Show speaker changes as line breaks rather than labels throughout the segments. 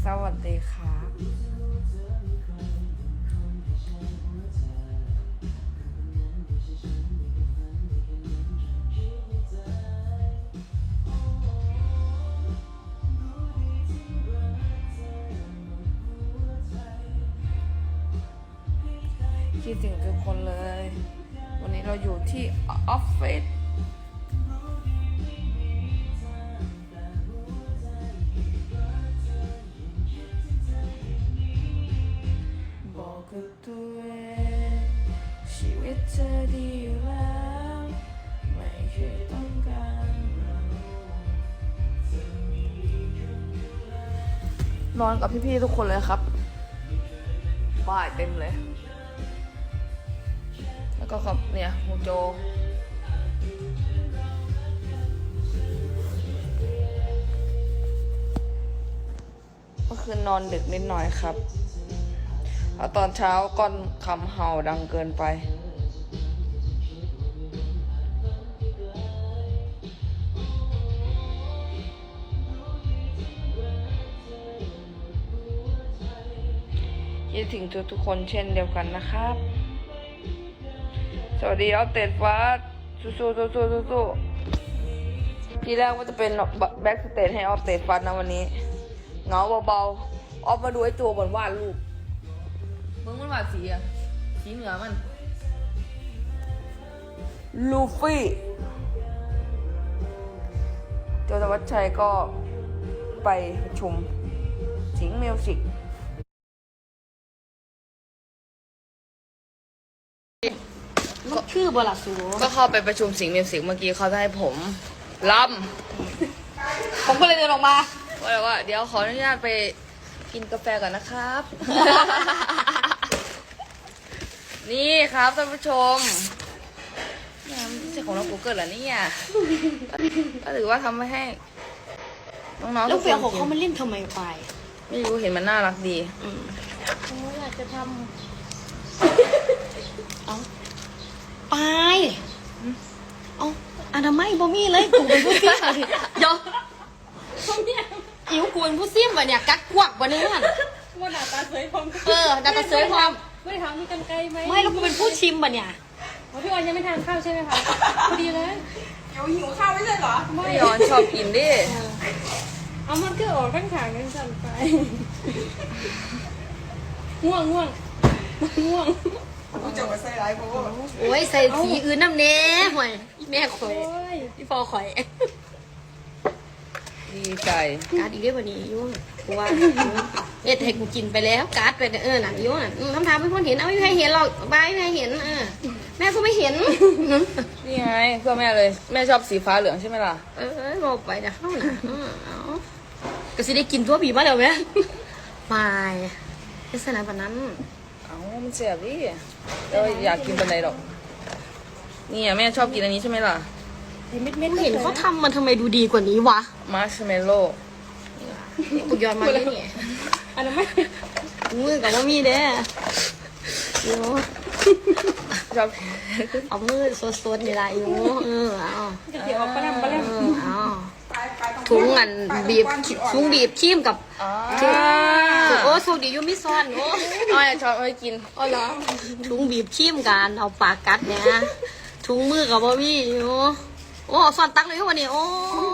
สวัสดีค่ะคิดถึงทุกคนเลย วันนี้เราอยู่ที่ออฟฟิศบอกกับตัวเองชีวิตเธอดีอยู่แล้วไม่เคยต้องการนอนกับพี่ๆทุกคนเลยครับบ้ายเต็มเลยแล้วก็ครับเนี่ยโฮโจเมื่อคืนนอนดึกนิดหน่อยครับแล้วตอนเช้าก้อนคำเห่าดังเกินไปคิดถึงทุกๆคนเช่นเดียวกันนะครับสวัสดีออฟเตดฟ้าสู้ทีแรกว่าจะเป็นแบ็กสเตจให้ออฟเตดฟ้านะวันนี้เหงาเบาๆออฟมาดูไอ้ตัวบนวาดรูปมึงมันวาดสีอะสีเหนือมันลูฟี่โจธวัชชัยก็ไปประชุมสิงห์มิวสิก
มันคือบลัดสู
ก็เข้าไปประชุมสิงห์มิวสิกเมื่อกี้เขาจะให้ผมลำ
ผมก็เลยเดินออกมา
ว่าเดี๋ยวขออนุญาตไปกินกาแฟก่อนนะครับ นี่ครับท่านผู้ชมนี่ไม่ใช่ของเรา Google เหรอเนี่ยก็ถือว่าทำไว้ให้น้องๆ
แล้
ทุ
ว
กค
เฟีย
น
ของ
กิ
เขามัน
น
เล่นทำไมไป
ไม่รู้เห็นมันน่ารักดี
ผมอยากจะทำเอาไปเอาอนามัยบ่มีเลยกูเป็นผู้ซิ่มอะดิเดี๋ยวอิ๋วกูเป็นผู้ซิ่มวะเนี่ยกักกวักวะเนี่ย
ว่าหน้าตาสวยพร้อม
ดาตาเซยพร้อม
ไม่ได้ถามมีกันไกลไหม
ไม่แล้วกูเป็นผู้ชิมวะเนี่ย
อ๋อพี่ออนยังไม่ทานข้าวใช่ไหมคะพอดีเลย
หิวข้าวไม่ใช่เหรอ
ไม่
พี่ย้อนชอบกินดิ
เอามันก็ออกข้างขางกันสั่นไปง่วง
กูจะมาใส่ร้ายเพราะว่า
โอ้ยใส่สีอื่นน้ำเน้ห่วยแม่ข่อย
โอ้ย
พี่ฟอข่อย
ดีใจ
การ์ดอีกเรื่องวันนี้ยุ่งกูว่าเอ็ดให้กูกินไปแล้วการ์ดไปน่ะยุ่งทำทางไม่พ้นเห็นเอาไม่ให้เห็นหรอกบายไม่ให้เห็นแม่ก็ไม่เห็น
นี่ไงเพื่อแม่เลยแม่ชอบสีฟ้าเหลืองใช่ไหมล่ะ
บอกไปนะเข้านะเอาก็สิได้กินตัวผีมาแล้วไหมไม่ลักษณะแบบนั้น
เอ้ามันเสียบดิเราอยากกินตอนไหนหรอกนี่แม่ชอบกินอันนี้ใช่ไหมล่ะ
เม็ด
เห็นเขาทำมันทำไมดูดีกว่านี้วะ
มาร์ชเมลโล่
กูย้อนมาเลยเนี่ย
อันนั้นไม่
มือกับว่ามีเด้อ
ชอบ
เอามือสดๆนี่ละอยู่เอา
เดี๋ยวออกปลาแรม
เอาถุงอันบีบถุงบีบขี้มกับ
อ๋อ
ถุงโอ้โชคดีอยูมิซอนโอ้
อ้อยชอบเอาไปกิน
อ๋อเหรอถุงบีบขี้มกันเอาปากกัดเนี่ยถุงมือกับว่ามีอยู่โอ้ซอนตักเลยวันนี้โอ้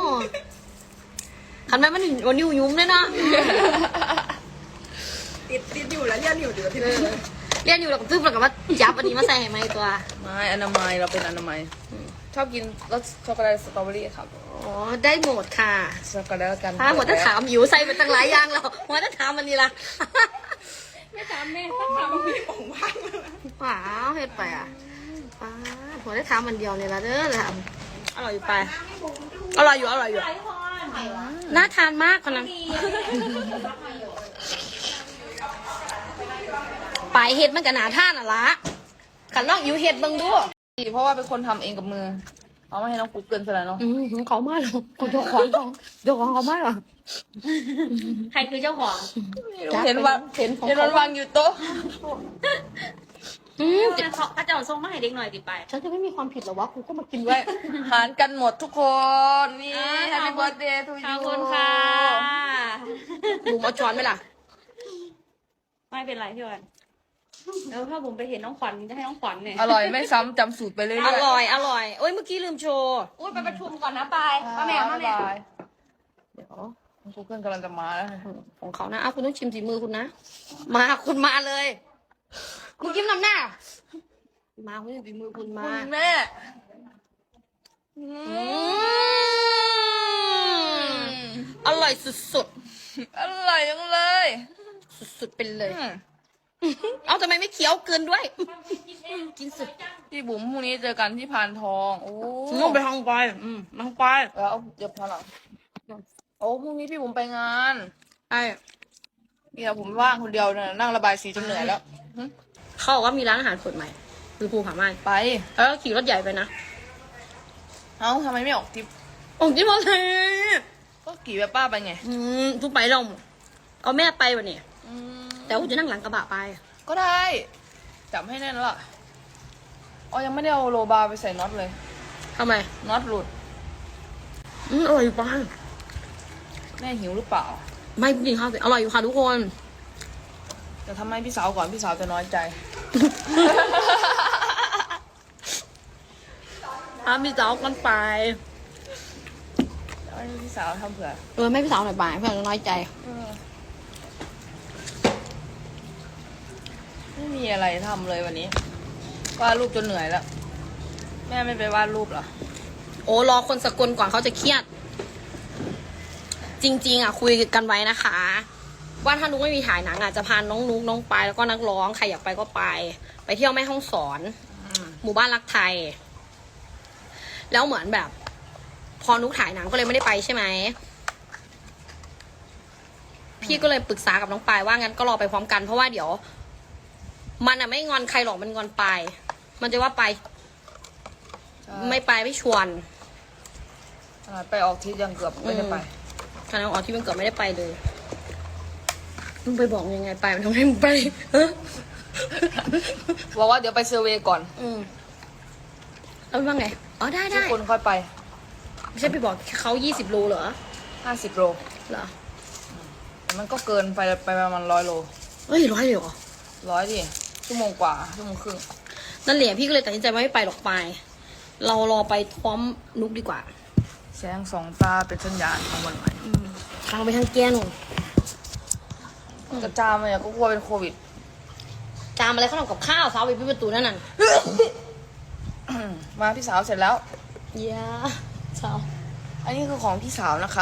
คันแม่มันวันนิ้วยุ้มเลยนะ
ติดอยู่แล้วเรียนอยู่เดี๋ยวที่
เรียนอยู่แล้วก็ตึ๊บแล้วก็มาจับอันนี้มาใส่ให้ไหมตัว
ไม่อนามัยเราเป็นอนามัยชอบกินรสช็อกโกแลตสตรอเบอรี่ครับ
อ๋อได้หมดค่ะ
ช็อกโกแลตกัน
ถ้าหมดถ้าถามอยู่ใส่ไปตั้งหลายอย่างแล้วหมดถ้าถามมันนี่ละ
ไม่ถามแม่ต้องถามพี่
ว้าวเฮ็ดไปอ่ะป้าหัวได้ถามมันเดียวเนี่ยละเด้อละอร่อยอยู่ไปอร่อยอยู่น่าทานมากคนนั้นปลายเห็ดมันก็น่าทานอ่ะละขันลองอยู่เห็ดเบิ่งดู
เพราะว่าเป็นคนทำเองกับมือเอามาให้น้องกุ๊กเกินไปแล้วเนาะ
เขามาหรอคนเจ้าของเขามาหรอใครคือเจ้าของ
เห็นวันวางอยู่โต๊ะ
พระเจ้าทรงมาให้เด็กหน่อยติไปฉันจะไม่มีความผิดหรอวะกูก็มากินด้วย
หารกันหมดทุกคนนี่ Happy Birthday to you
ขอบคุณค่ะบุ๋มเอาช้อนไหมล่ะไม่เป็นไรพี่วันแล้วถ้าบุ๋มไปเห็นน้องขวัญจะให้น้องขวัญเนี่ย
อร่อยไม่ซ้ำจำสูตรไปเรื่อยๆ
อร่อยโอ้ยเมื่อกี้ลืมโชว์โอ้ยไปประชุมก่อนนะไปมาแม่มาแม่
บ๊ยบยเดี๋ยวกูเกิลกำลังจะมาแล้ว
ของเขานะคุณต้องชิมฝีมือคุณนะมาคุณมาเลยคุณยิ้มนำหน้ามาคุณชิมฝีมือคุณมา
คุณแม่
อร่อยสุด
อร่อยจังเลย
ๆสุดๆไปเลย เอาทำไมไม่เคี้ยวเกินด้วย กินสุด
พี่บุ๋มพรุ่งนี้เจอกันที่พานทองโอ้
ง่วงไปห้องไปมาห้องไป
แล้วเดี๋ยวพาหลังโอ้พรุ่งนี้พี่บุ๋มไปงาน
ไอ้
เดี๋ยวผมว่างคนเดียวเนี่ยนั่งระบายสีจนเหนื่อยแล้ว
เขาบอกว่ามีร้านอาหารเปิดใหม่คือภูผาม่าน
ไป
แล้วก็ขี่รถใหญ่ไปนะ
เอ้าทำไมไม่ออกทริป
โอ้ยที่มอเตอร์
ก็กี่แบบป้าไปไง
ทุกไปเราเอาแม่ไปวะเนี่ย
อืม
แต่ว่าจะนั่งหลังกระบะไป
ก็ได้จับให้แน่นแล้วล่ะอ๋อยังไม่ได้เอาโลบาร์ไปใส่น็อตเลย
ทำไม
น็อตหลุด
อร่อยอยู่ป้า
แม่หิวหรือเปล่า
ไม่กินข้าวสิอร่อยอยู่ค่ะทุกคน
จะทำให้พี่สาวก่อนพี่สาวจะน้อยใจ
พี่สาวกันไป
ให้พี่สาวทำเผื่อ
ไม่พี่สาวหน่อยไปเพื่อนจะน้อยใจ
ไม่มีอะไรทำเลยวันนี้วาดรูปจนเหนื่อยแล้ว แม่ไม่ไปวาดรูปเหรอ
โอ้รอคนสกลก่อนเขาจะเครียด จริงๆอ่ะคุยกันไว้นะคะ ว่าถ้านุกไม่มีถ่ายหนังอ่ะจะพาน้องนุกน้องปายแล้วก็นักร้องใครอยากไปก็ไป ไปเที่ยวแม่ฮ่องสอน หมู่บ้านรักไทย แล้วเหมือนแบบ พอนุกถ่ายหนังก็เลยไม่ได้ไปใช่ไหมพี่ก็เลยปรึกษากับน้องปายว่างั้นก็รอไปพร้อมกันเพราะว่าเดี๋ยว มันอ่ะไม่งอนใครหรอกมันงอนปายมันจะว่าไป ไม่ไปไม่ชวน
ไปออกทริปยังเกือบไม่ได้ไป
คณะออกที่มันเกิดไม่ได้ไปเลยมึงไปบอกยังไงไปมันทำให้มึงไป
บอกว่าเดี๋ยวไปเซอร์เวย์ก่อน
แล้วว่าไงอ๋อได้
ทุกคนค่อยไป
ไม่ใช่ไปบอกเขา20 โลเหรอ
50 โล
เหรอ
มันก็เกินไปประมาณ100 โล
เฮ้ย100เลยเหรอ
100ดิชั่วโมงกว่าชั่วโมงครึ่ง
นั่นแหละพี่ก็เลยตัดสินใจว่าไม่ไปหรอกไป เรารอไปพร้อมนุกดีกว่า
แสงสองตาเป็นสัญญาณของวันใหม่
ทางไปทางแกนหนู
กระจามเลยก็กลัวเป็นโควิด
จามอะไรเขาทำกับข้าวสาวไปปิดประตูนั่นน่ะ
มาพี่สาวเสร็จแล้ว
เย้สาว
อันนี้คือของพี่สาวนะครับ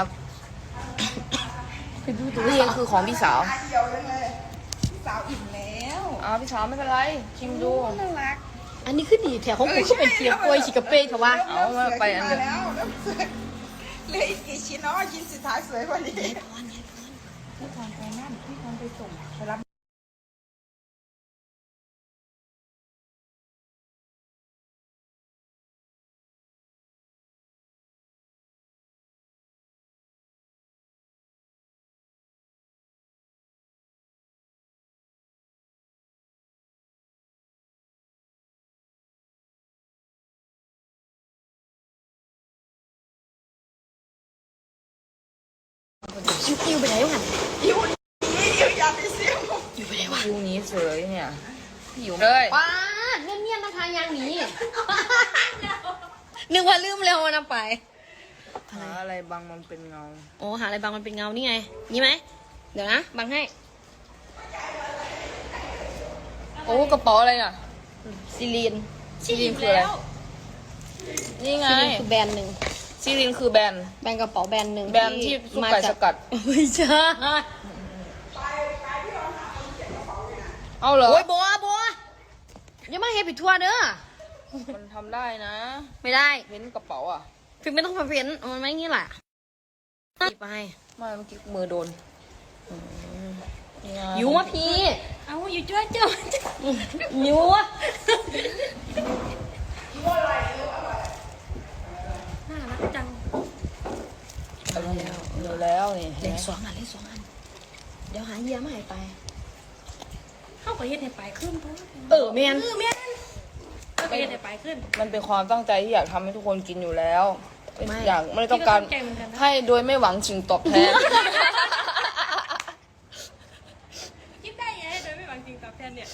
ไปดูตัว
นี่
เอง
คือของพี่สาว
เดียวยังเลยสาวอิ่มแล้ว
พี่สาวไม่เป็นไรชิมดู
น่ารัก
อันนี้คือดีแถวของกูก็เป็นเทียมกล้วยชิกาเป้เถอะวะ
เอามาไปอันเดียว
แล้วเหลยอีกกี่ชิ้นเนาะชิ้นสุดท้ายสวยกว่านี้
อิวไปไหนวะ
อยู่อย่าไปเสียง
อยู่ไปไหนวะ
คิวนี้สวยเนี่ยพี่อยู่เลย
ป้าเงียบๆนะคะยางหนีนึกว่าลืมเร็วนะไป
หาอะไรบางมันเป็นเงา
โอ้หาอะไรบางมันเป็นเงานี่ไง นี่ไหม เดี๋ยวนะบังให้
โอ้กระเป๋าอะไรอ่ะ
ซิลีน
ซีรีนคืออะไร นี่ไง
ซิลีนคือแบรนด์หนึ่ง
ซีรีนคือแบรนด์
แบรนด์กระเป๋าแบรนด์หนึ่ง
แบรนด์ที่ซุปไก่สกัด
ไม่ใช่
เอาเหรอ
โอ้ยบัวอย่ามาเฮปิดทัวร์เด้อ
มันทำได้นะ
ไม่ได้
เห็นกระเป๋าอ่ะ
ฟิล์มไม่ต้องมาเพ้นมันไม่งี้แหละไป
ไม่เมื่อกี้มือโดนนี่ไง
อยู่วะพี่
เอาอยู่จ้วยเจ้า
อยู่วะ
น่ารักจัง
เดี๋ยวแล้วนี่
เล่นสองอันเดี๋ยวหาเยี่ยมาให้ไป
เขาก็เฮ็ดให้ไปขึ้นเพราะ
แม่น
ก็เฮ็ดให้ไปขึ้น
มันเป็นความตั้งใจที่อยากทำให้ทุกคนกินอยู่แล้ว
ไม่
อยากไม่ได้ต้องการ
พี่ก็ตั้งใจเหมือนกันนะ
ให้โดยไม่หวังสิ่งตอบแทน
คิดได้ไงโดยไม่หวังจริงตอบแทนเนี่ย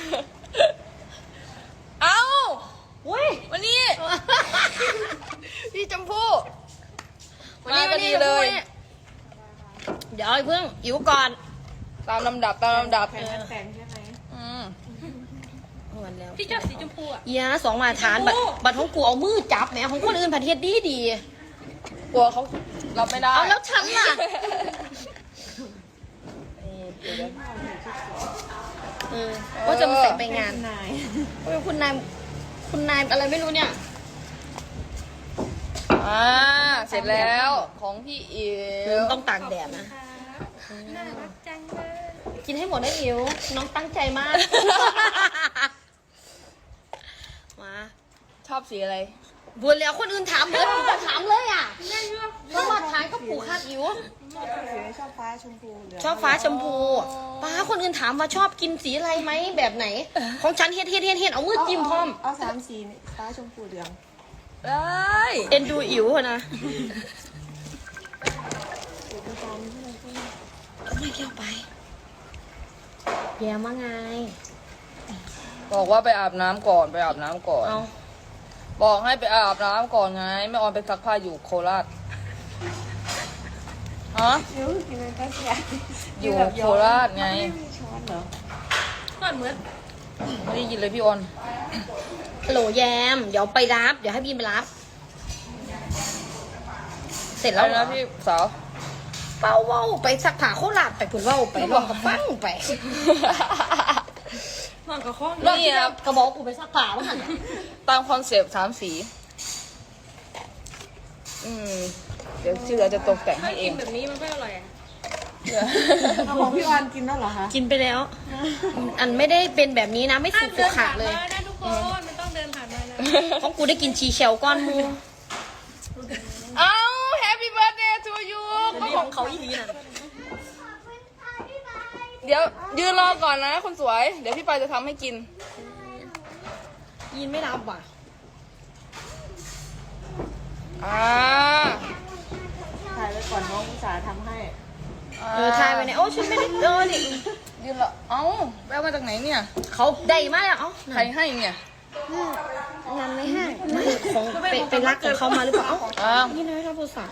เอ้า
อุ้ย
วันนี้ พี่ชมพู่
วันนี้
มาพอดีเลย
เดี๋ยวไอ้เพิ่งอิ๋วก่อน
ตามลำดับตามลำดับ
แฟนใช่ไหม
อืม
วันแล้ว
พี่ชอบสีชมพูอ่ะ
ยา2 มาตรฐานบัตรของกูเอามือจับแหมของคนอื่นผัดเฮ็ดดี
กลัวเขารับไม่ได้
เอาแล้วฉันล่ะ
นี่เดี๋ยว
ว่าจะมาใส่ไปงานโอ้ยคุณนายอะไรไม่รู้เนี่ย
เสร็จแล้วของพี่อิ๋ว
ต้องตากแดดนะ
น่ารักจังเลย
กินให้หมดได้อิ๋วน้องตั้งใจมาก มา
ชอบสีอะไร
บัวแล้วคนอื่นถามเลยผมจะถามเลยอ่ะต้องมาทายก็ผูกคาดอิ๋ว
ชอบฟ้าชมพูเหลือง
ชอบฟ้าชมพูป้าคนอื่นถามว่าชอบกินสีอะไรไหมแบบไหน ของฉันเฮ็ดเอามือจิ้มพร้อม
เอา3 สีนี่ฟ้าชมพูเหลือง
ได้
เอ็นดูอิ๋วอะนะไม่เกี่ยวไปแย่มาไง
บอกว่าไปอาบน้ำก่อนไปอาบน้ำก่อน
เอา
บอกให้ไปอาบน้ำก่อนไงแม่ออนไปซักผ้าอยู่โคราชฮะ
เดี๋ยวกินอะไรก็เสีย
อยู่โคราชไง
ช้อนเหรอ
ก่อนเหมือน
ไม่ได้ยินเลยพี่ออน
ฮัลโหลแยม เดี๋ยวไปรับ เดี๋ยวให้บีมไปรับ เสร็จ
แล้
แล้ว วเหรอ
นะพี่สาว
เป้าเว้าไปสักผ้าโคราชไปผุนเว้าไปลองกับฟังไป
นอนกับข้อง
นี่ครับ
กระบอกกูไปสักผ้าว่าหัน
ตามคอนเซปต์3 สีเดี๋ยวที่เหลือจะตกแต่ง
ถ้า
ให้เอ
กิ
ง
นแบบนี้มันก็อร่อยอ่ะ
เอาของพี่ออนกินแล้วเหรอคะ
กินไปแล้ว อันไม่ได้เป็นแบบนี้นะ ไม่สุกสุกขาเลย
มานะทุกคนมันต้องเดินผ่านมานะ
ของกูได้กินชีเชลก้อนมู
เอ้า Happy birthday to you ก็ของ
เขาอีหลีนั่น
เดี๋ยวยืนรอก่อนนะคนสวย เดี๋ยวพี่ปายจะทำให้กิน
ยินไม่รับว่ะ
ถ่ายไว้ก่อนน้องอุตส่าห์ทำให้
ทายไปเนี่ยโอ้ฉันไม่ได้ดิ
ยืนรอเอ้าแววมาจากไหนเนี่ย
เขาได้มาแล้วเอ้า
ใครให้เนี่ย
งั้นไม่ให้ไม่คงไปรักกับเขามาหรือเปล่า
อ้าว
นี่นะชอบโทรศัพท์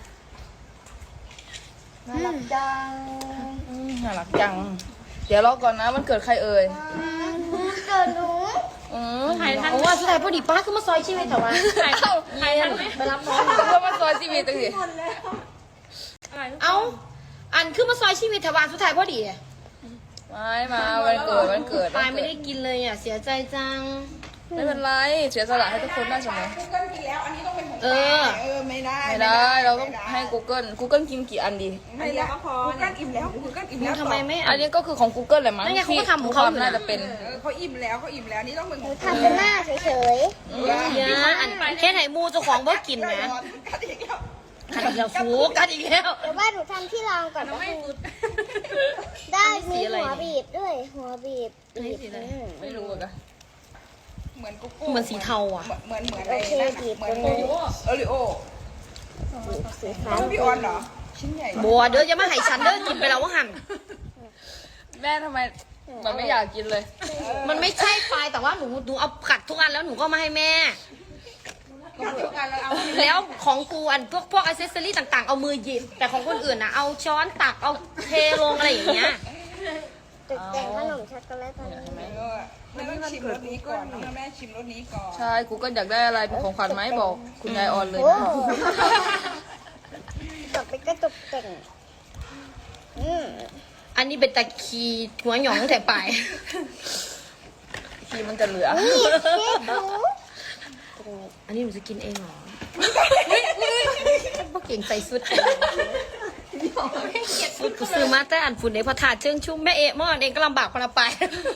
น่ารักจังน่ารักจัง เดี๋ยวรอก่อนนะมันเกิดใครเอ่ย
เกิดหนู
ถ่ายทัน
โอ้ว่าสุดท้ายพอดีป้าขึ้นมาซอยชีวิตแต่ว่า
ถ่ายทันไหม
ไปรับน้อง
เพื่อมาซอยชีวิตตั้งสิ
อะไร
เอาอันขึ้นมาซอยชีวิตแต่ว่าสุดท้ายพอดี
ไม่มาวันเกิดวันเกิด
ปายไม่ได้กินเลยอ่ะเสียใจจัง
ไม่เป็นไรเสียสละให้ทุกคนได้เสมอ
กูเกิลกินแล้ว อันนี้ต้องเป็นของ
เออ
ไม่ได้
ไม่ได้เราต้องให้ Google กินกี่อันดี
ไม่แล้วก็พอกูเกิลอิ่มแล้วกูเกิลอิ่มแล้ว
ทำไมไม่
อันนี้ก็คือของ Google แหละมั้ง
นั่นไงเขาก็
ที่
ทำของเขาอยู่นะ
น่าจะเป็น
เขาอิ่มแล้วนี่ต้องเป็นของ
ทำเป็นหน้าเฉย
เยอะอันแค่ไหนมูเจ้าของบ่กินนะ
กัดอีกแล้ว
ขัดอีกแล้วฟูกัดอีกแล้ว
ๆเดี๋ยวว่าหนูทำที่รองก่อนนะ
ไม่
คุณ
สุด
ได้
อันนี้สี
มี
อะไร
หัวบีบด้วย หัวบีบ
อันนี้สีอะไร
ไม่รู้อะ
เหมือนกุ๊ก
เหมือนสีเทาอ่ะ
เหมือน
โอเคบีบ
เหมื
ต
อน
รงนี้
โอริโอ
สีฟ้า
แล้วพี่ออนเหรอ ชิ้นใหญ่
บัวเด้อจะมาให้ฉันเด้อกินไปแล้วว่าหัน
แม่ทำไมมันไม่อยากกินเลย
มันไม่ใช่ปลายแต่ว่าหนูเอาขัดทุกอันแล้วหนูก็มาให้แม่
ก็ทุกอันแล้วเอา
แล้วของกูอันพวกอิเซสซอรี่ต่างๆ เอามือหยิบ แต่ของคนอื่นนะเอาช้อนตักเอาเทลงอะไรอย่างเงี้ย
ตกแต่งขนมช็อกโกแลตตรงนี้
แม่ต้องชิมรสนี้ก่อนแม่ชิมรสนี้ก่อน
ใช่กูก็อยากได้อะไรเป็นของขวัญไหมบอกคุณยายออนเลย
โอ้
นะ
ต่อไปก็ตกแต่งอืม
อันนี้เป็นตะคีหัวหยองแต่ปลาย
ทีมันจะเหลือ
นี่เค้กหนู
อันนี้หนูจะกินเองเหรอพวกเก่งใส่สุดสุดกูซื้อมาแต่อันฝุ่นในพระธาตุเชิงชุ่มแม่เอะมอนเองก็ลำบากคนละไป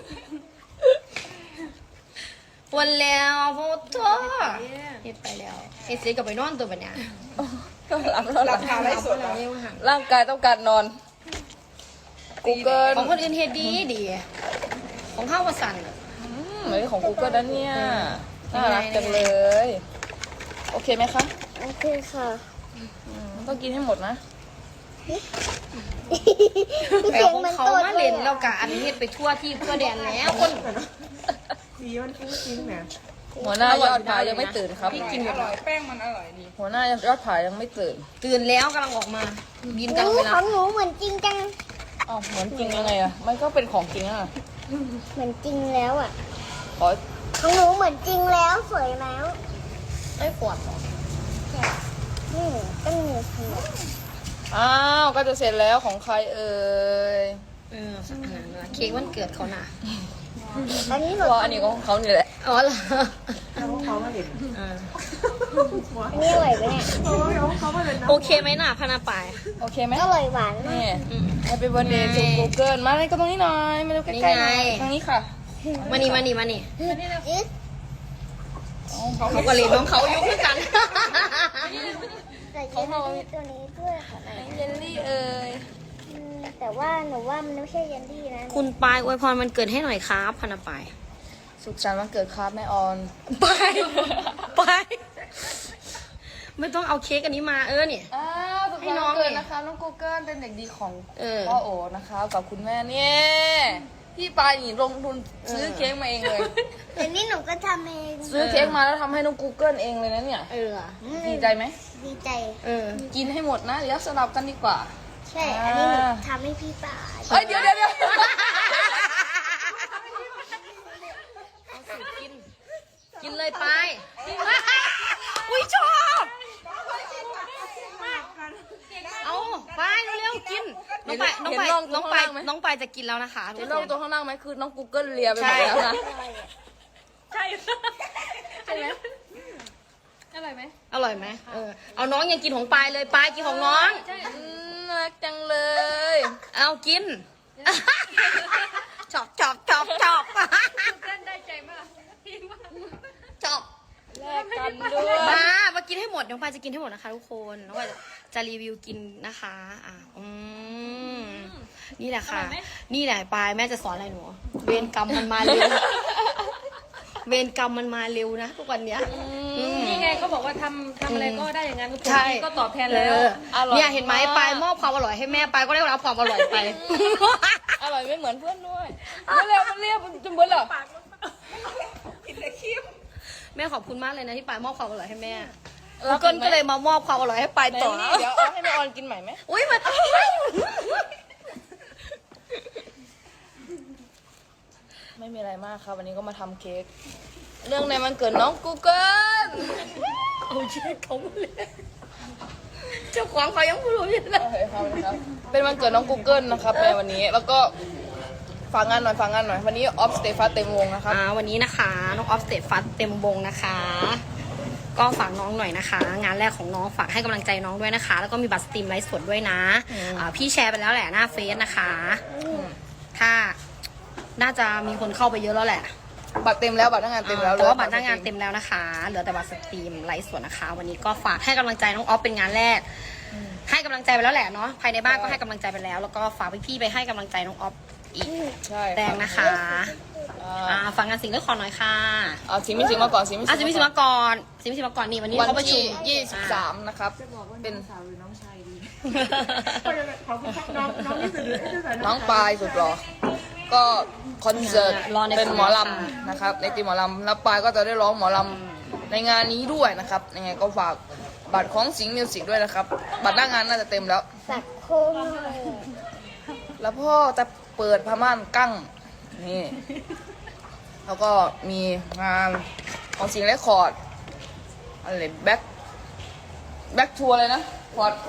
วันแล้วโมโตเฮ็ดไปแล้วเฮ็ดเสร็จก็ไปนอนตัวบัดเนี้ย
ก็หลับแล้วห
รา
ลับ
คาไร้สด
เราเรียกว่าหัน
ร่างกายต้องการนอน Google
ของคนอื่นเฮ็ดดีดีของข้าววสันต์
เหมือนของกูเกิลนะเนี่ยน่ารักจังเลย โอเคไหมคะ
โอเคค่ะ
ต้องกินให้หมดนะ
แปลของเขามาเล่นแล้วกะอันนี้ไปทั่วที่ทั่วแดนแล้วคน
สีมันฟุ้งฟิ้งเนี่ย
หัวหน้ายอดผายังไม่ตื่นครับ
พี่กินหม
อ
ด
ร่อยแป้งมันอร่อยดี
หัวหน้ายอดผายังไม่ตื่น
ตื่นแล้วกำลังออกมา บินกันเวลา
ของหนูเหมือนจริงจัง
อ้าวเหมือนจริงยังไงอะมันก็เป็นของจริงอะ
เหมือนจริงแล้วอ่ะ
ขอ
ของหนูเหมือนจริงแล้วสวยแล้ว
ไอ้ขวดเหรอ
นี่ก็มีสี
อ้าวก็จะเสร็จแล้วของใครเอ่ย
สักขนาดนั้นเค้กวันเกิดเขาน่ะ
อันนี้หนู
เพราะอันนี้ก็ของเขานี่แหละ
อ๋อเหรอ
แล้วเขามาเห็น
อันนี้อร่อยไหมเนี่ย
เขามาเห็น
โอเคไหมน่ะพนาปาย
โอเคไหม
อร่อยหวานมา
นี่
ก
Happy birthday to Google มาเลยก็ตรงนี้หน่อยมาดูใกล้ๆหน่อย
นี่ไง
ทางนี้ค่ะ
มานี่มานี่มานี่
อิ๊ด
เขาก็เล่นน้องเขาอยู่ด้วยกัน
ใส่เยลลี่ตัวนี้ด้วยค่ะ
เยลลี่เอ่ย
แต่ว่าหนูว่ามันไม่ใช่เยลลี่นะ
คุณปายอวยพรมันเกิดให้หน่อยครับพนาปาย
สุขสันต์วันเกิดครับแม่ออน
ไปไม่ต้องเอาเค้กอันนี้มาเนี่ย
อ้าวสุข
ให้
สันต์
น้อง
วันเกิด
เนี่ย
นะคะน้อง Google เป็นเด็กดีของ
เออ
พ่อโอนะคะกับคุณแม่เนี่ยพี่ปายนี่ลงทุนซื้อเค้กมาเองเลย
แต่นี่หนูก็ทำเอง
ซื้อเค้กมาแล้วทำให้น้อง Google เองเลยนะเนี่ย ดีใจไหม
ดีใจ
กินให้หมดนะ เดี๋ยวสลับกันดีกว่า
ใช่ อันนี้หนูทำให้พี่ป่า
เฮ้ยเดี๋ยว
กินเลยไปอุ้ยชอบเอาไปเร็วๆกินน้องไปจะกินแล้วนะคะ
เห็นลงตัวข้างล่างไหมคือน้อง Google เลียไปหม
ใช่
ดแล้วนะ
ใช่ใช่ไหมอร่อยไหม
อร่อยไหมเอาน้องยังกินของปลายเลยปลายกินของน้อง
น่ารักจังเลย
เอากินชอบ
เต้นได้ใจมากพี่ว่า
ชอบ
แลกกันด้วย
มากินให้หมดน้องปลายจะกินให้หมดนะคะทุกคนน้องปลายจะรีวิวกินนะคะนี่แหละค่ะ นี่แหละปลายแม่จะสอนอะไรหนูเวรกรรมมันมาเร็วเวรกรรมมันมาเร็วนะทุกวันเนี้ย
นี่ไงเขาบอกว่าทำอะไรก็ได้อย่างนั้นทุกคน
ใช่
ก็ตอบแทนแล้ว
เนี่ยเห็นไหมปลายมอบความอร่อยให้แม่ปลายก็ได้รับความอร่อยไป
อร่อยไม่เหมือนเพื่อนด้วยมันเรียบจนเบื่อเหรอ
แม่ขอบคุณมากเลยนะที่ปลายมอบความอร่อยให้แม่เกินก็เลยมามอบความอร่อยให้ปลาย
ไหน
ต่อ
นี่เดี๋ยวเอาให้แม่ออนกินใหม่ไหม
อุ้ยมา
ไม่มีอะไรมากครับวันนี้ก็มาทำเค้กเรื่องในวันเกิดน้อง Google
เอาเช็คเขาเลยเจ้าของเขายังไม่รู้อยู่เลย
โอเคครับเป็นวันเกิดน้อง Google นะครับในวันนี้แล้วก็ฝากงานหน่อยวันนี้ออฟสเตฟัสเต็มวงนะครับ
วันนี้นะคะน้องออฟสเตทฟัสเต็มวงนะคะ ก็ฝากน้องหน่อยนะคะ งานแรกของน้องฝากให้กำลังใจน้องด้วยนะคะ แล้วก็มีบัตรสตรีมไลฟ์สดด้วยนะพี่แชร์ไปแล้วแหละหน้าเฟซนะคะถ้าน่าจะมีคนเข้าไปเยอะแล้วแหละ
บัตรเต็มแล้วบัตรหน้างานเต็มแล้ว
แต่ว่าบัตรหน้างานเต็มแล้วนะคะ เหลือแต่บัตรสตรีมไลฟ์สดนะคะ วันนี้ก็ฝากให้กำลังใจน้องออฟเป็นงานแรก ให้กำลังใจไปแล้วแหละเนาะภายในบ้านก็ให้กำลังใจไปแล้ว แล้วก็ฝากพี่ๆไปให้กำลังใจน้องออฟอีก
ใช่
แดงนะคะฝากงานสิ่งเลือกขอหน่อยค่ะ
เอาสิมิสิมาก่อนสิมิ
สิมิสิมาก่อนสิมิสิมาก่อนนี่วันนี้
วัน
เขาประชุ
ที่
ม
23นะครับเป็น
ขอบคุณครับน้องนี่สุดเลย
น้องปลายสุดหรอก็คอนเสิร์ตเป็นหมอลำนะครับในทีมหมอลำแล้วปลายก็จะได้ร้องหมอลำในงานนี้ด้วยนะครับยังไงก็ฝากบัตรของสิงห์มิวสิกด้วยนะครับบัตรหน้างานน่าจะเต็มแล้ว
สักโค้ง
แล้วพ่อจะเปิดพม่านกั้งนี่แล้วก็มีงานของสิงห์เรคคอร์ดอะไรแบ็คทัวร์เลยนะพอด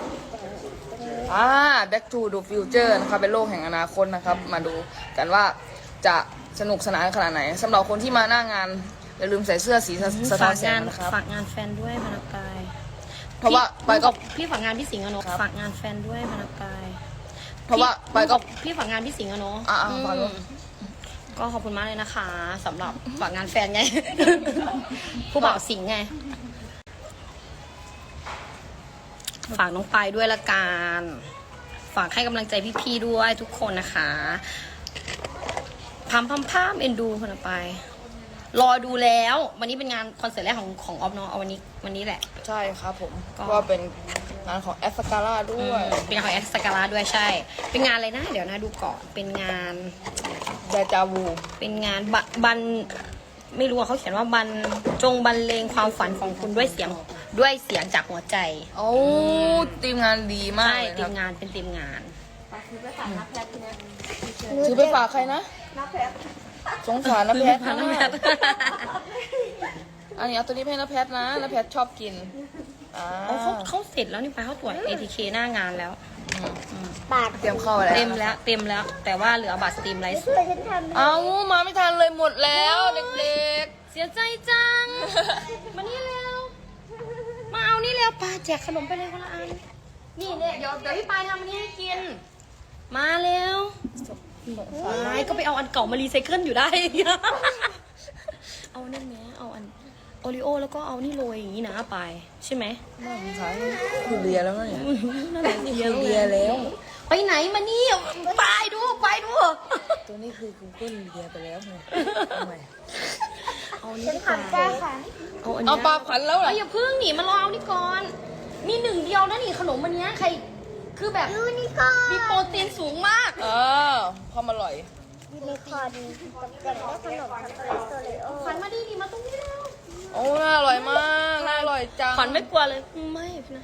Back to the Future นะครับเป็นโลกแห่งอนาคตนะครับมาดูกันว่าจะสนุกสนานขนาดไหนสำหรับคนที่มาหน้างานอย่าลืมใส่เสื้อสีสะท้อนแสงนะครับ
ฝากงานแฟนด้วยพนักกาย
เพราะว่าไปก็
พี่ฝากงานพี่สิงห์อะเนาะฝากงานแฟนด้วยพนักกาย
เพราะว่าไปก็
พี่ฝากงานพี่สิงห์อะเนาะ
ฝากด้วย
ก็ขอบคุณมากเลยนะคะสำหรับฝากงานแฟนไง ผู้บ่าวสิงห์ไง ฝากน้องปายด้วยละกันฝากให้กำลังใจพี่ๆด้วยทุกคนนะคะพามเอ็นดูคนละไป รอดูแล้ว วันนี้เป็นงานคอนเสิร์ตแรกของออฟเนาะเอาวันนี้แหละ
ใช่ครับผม
ก็
ก็เป็นงานของแอสการ่าด้วย
เป็นงานของแอสกาลาด้วยใช่ เป็นงานอะไรนะ เดี๋ยวนะดูก่อน เป็นงาน
เดจาวู
เป็นงานบันไม่รู้ว่าเขาเขียนว่าจงบรรเลงความฝันของคุณด้วยเสียงจากหัวใจ
โอ้ทีมงานดีมาก
ใช่
เลย
ที
ครั
ม
บ
งานเป็นทีมงาน
ถือไปฝากใครนะ
น้าแพท
สงสารนะแพท
พาน้องแพท
อันนี้เอาตัวนี้ให้นะแพทนะแพทชอบกิน
เขาเสร็จแล้วนี่ไปเขาตรวจ ATK หน้างานแล้ว
ปาก
เตรียมเข้าไปแล้ว
เต็มแล้ว แต่ว่าเหลือบัตรสตรีมไลฟ์
แต่ฉันทำ
เอามาไม่ทันเลยหมดแล้วเด็ก
เสียใจจัง มานี่เร็ว มาเอานี่เร็วปาแจกขนมไปเลยคนละอัน นี่เนี่ยเดี๋ยวพี่ปายทำอันนี้ให้กิน มาเร็วปายก็ไปเอาอันเก่ามารีไซเคิลอยู่ได้ เอานั่นไหมเอาอันโอริโอแล้วก็เอานี่โรยอย่างนี้นะปายใช่ไหม
ๆน่าสงสารคือเลียแล้วเนี่ย
นั่นแหละ
เลียแล้ว
ไปไหนมานี่ปายดู
ตัวนี้คือกูเกิลเลียไปแล้วไงทำไม
เอานี่
ฉัน
ดีกว่า
ทำจ้าค่ะ
เอาอัน
เอา
นี้
ปลาขวัญแล้วเหรอ
อย่าพึ่งหนีมารอเอานี่ก่อน มีหนึ่งเดียวนะนี่ขนมอันเนี้ยใคร คือแบบ
ยูนิคอร์
มี
น
โปรตีนสูงมาก
ความอร่อย
ยูนิคอร์นตกแต่งด้วยขนมช็อกโกแลตโซเลโอ
ขวัญมาดีมาตรงนี้แล้ว
โอ้น่าอร่อยมากน่าอร่อยจัง
ขวัญไม่กลัวเลยไม่นะ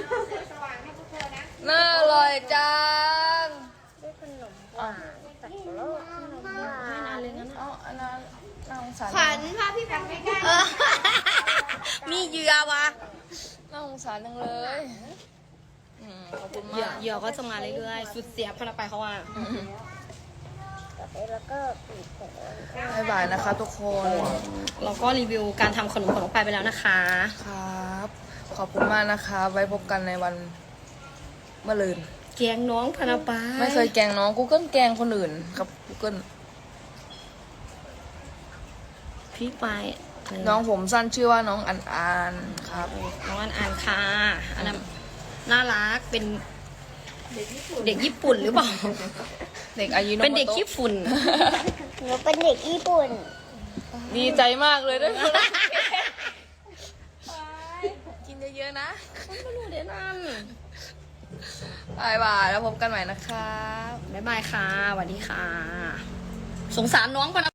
น่าอร่อยจัง
ด้วยขนมหวานสับปะรดขนมหวา
ให้
น
นานเลยงั้น
เอาอันนั้นน่าสงสาร
ขวัญพาพี่แบงค์ไปใกล้
มีเหยื่อวะ
น่าสงสารจังเลยขอบคุณมาก
เหยื่อก็จะมาเรื่อยๆสุดเสียบพนักไปเขาว่า
ต่อไปแล้วก็ปีกของ
บ๊ายบายนะคะทุกคน
เราก็รีวิวการทำขนมของน้องไปแล้วนะคะ
ครับ ขอบคุณมากนะคะ ไว้พบกันในวันมะรืน
แกงน้องพนักไป
ไม่เคยแกล้งน้อง Google แกล้งคนอื่นครับ Google
พี่ไป
น้องผมสั้นชื่อว่าน้องอันครับ
น้องอ่านค่ะอันนั้นน่ารักเป็นเด็กญี่ปุ่นหรือเปล่า
เด็กอายุ
เป็นเด็กขี้ฝุ่น
หนูเป็นเด็กญี่ปุ่น
ดีใจมากเลยด้วยกินเยอะๆนะ
ไม่รู้เดี๋ยวนั่น
บายบายแล้วพบกันใหม่นะคะ
บ๊ายบายค่ะสวัสดีค่ะ สงสารน้องพนัก